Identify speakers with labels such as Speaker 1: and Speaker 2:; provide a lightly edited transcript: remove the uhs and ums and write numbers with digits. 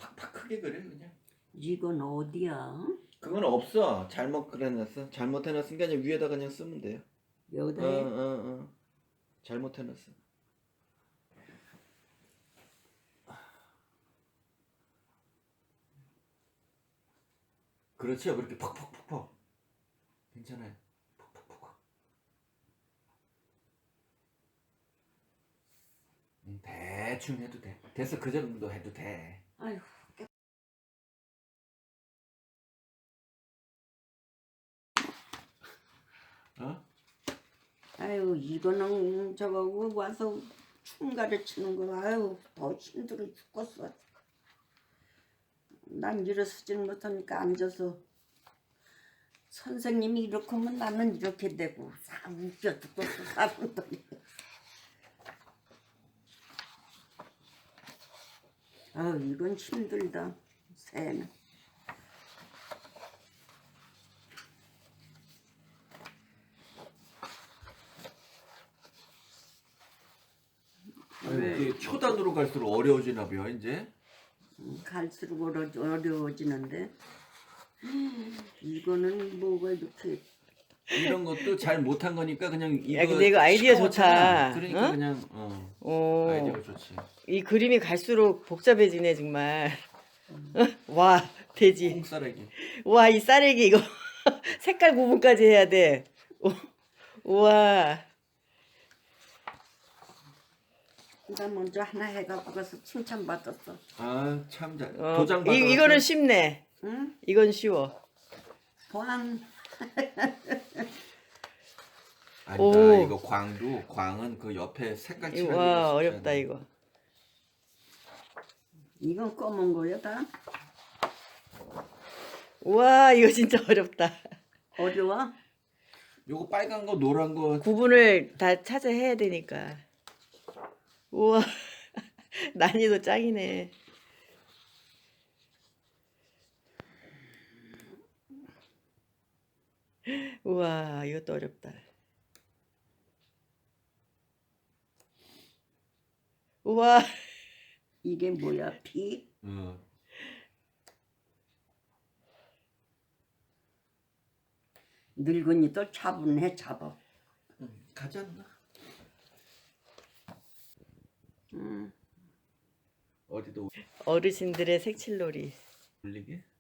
Speaker 1: 팍팍 크게 그려 그냥.
Speaker 2: 이건 어디야?
Speaker 1: 그건 없어. 잘못 그려놨어. 잘못해놨은 게 아니라 위에다 그냥 쓰면 돼요.
Speaker 2: 여기다 해?
Speaker 1: 잘못해놨어. 그렇죠. 그렇게 퍽퍽퍽퍽. 괜찮아요. 퍽퍽퍽퍽. 대충 해도 돼. 됐어. 그 정도 해도 돼.
Speaker 2: 아이고.
Speaker 1: 어?
Speaker 2: 아유 이거는 저거 와서 춤 가르치는 거 아유 더 힘들어 죽겠어. 난 일어서질 못하니까 앉아서 선생님이 이렇게 하면 나는 이렇게 되고 사 웃겨 죽겠어 사람들이. 아유 이건 힘들다 새는.
Speaker 1: 그 초단으로 갈수록 어려워지나 봐요 이제.
Speaker 2: 갈수록 어려워지는데 이거는 뭐가 이렇게
Speaker 1: 이런 것도 잘 못한 거니까 그냥 이거.
Speaker 3: 야, 근데 이거 아이디어
Speaker 1: 시커멓잖아.
Speaker 3: 좋다.
Speaker 1: 그러니까
Speaker 3: 어?
Speaker 1: 그냥
Speaker 3: 오,
Speaker 1: 아이디어가 좋지.
Speaker 3: 이 그림이 갈수록 복잡해지네 정말. 와, 돼지.
Speaker 1: 콩싸라기.
Speaker 3: 와, 이 쌀에기 이거 색깔 구분까지 해야 돼. 우와.
Speaker 2: 나 먼저 하나 해갖고 가서 칭찬받았어.
Speaker 1: 아 참 잘.
Speaker 3: 어,
Speaker 1: 도장 받아.
Speaker 3: 이거는 쉽네.
Speaker 2: 응?
Speaker 3: 이건 쉬워.
Speaker 2: 보안
Speaker 1: 아니다.
Speaker 3: 오.
Speaker 1: 이거 광은 그 옆에 색깔
Speaker 3: 이거
Speaker 1: 칠하기가
Speaker 3: 와,
Speaker 1: 쉽지
Speaker 3: 어렵다
Speaker 1: 않아.
Speaker 3: 이거.
Speaker 2: 이건 검은 거야 다?
Speaker 3: 우와, 이거 진짜 어렵다.
Speaker 2: 어려워?
Speaker 1: 요거 빨간 거 노란 거.
Speaker 3: 구분을 다 찾아 해야 되니까. 우와. 난이도 짱이네. 우와, 이것도 어렵다. 우와.
Speaker 2: 이게 뭐야 피? 늙은이도 차분해 잡아.
Speaker 1: 가지 않나? 어디도
Speaker 3: 어르신들의 색칠놀이.
Speaker 1: 올리게.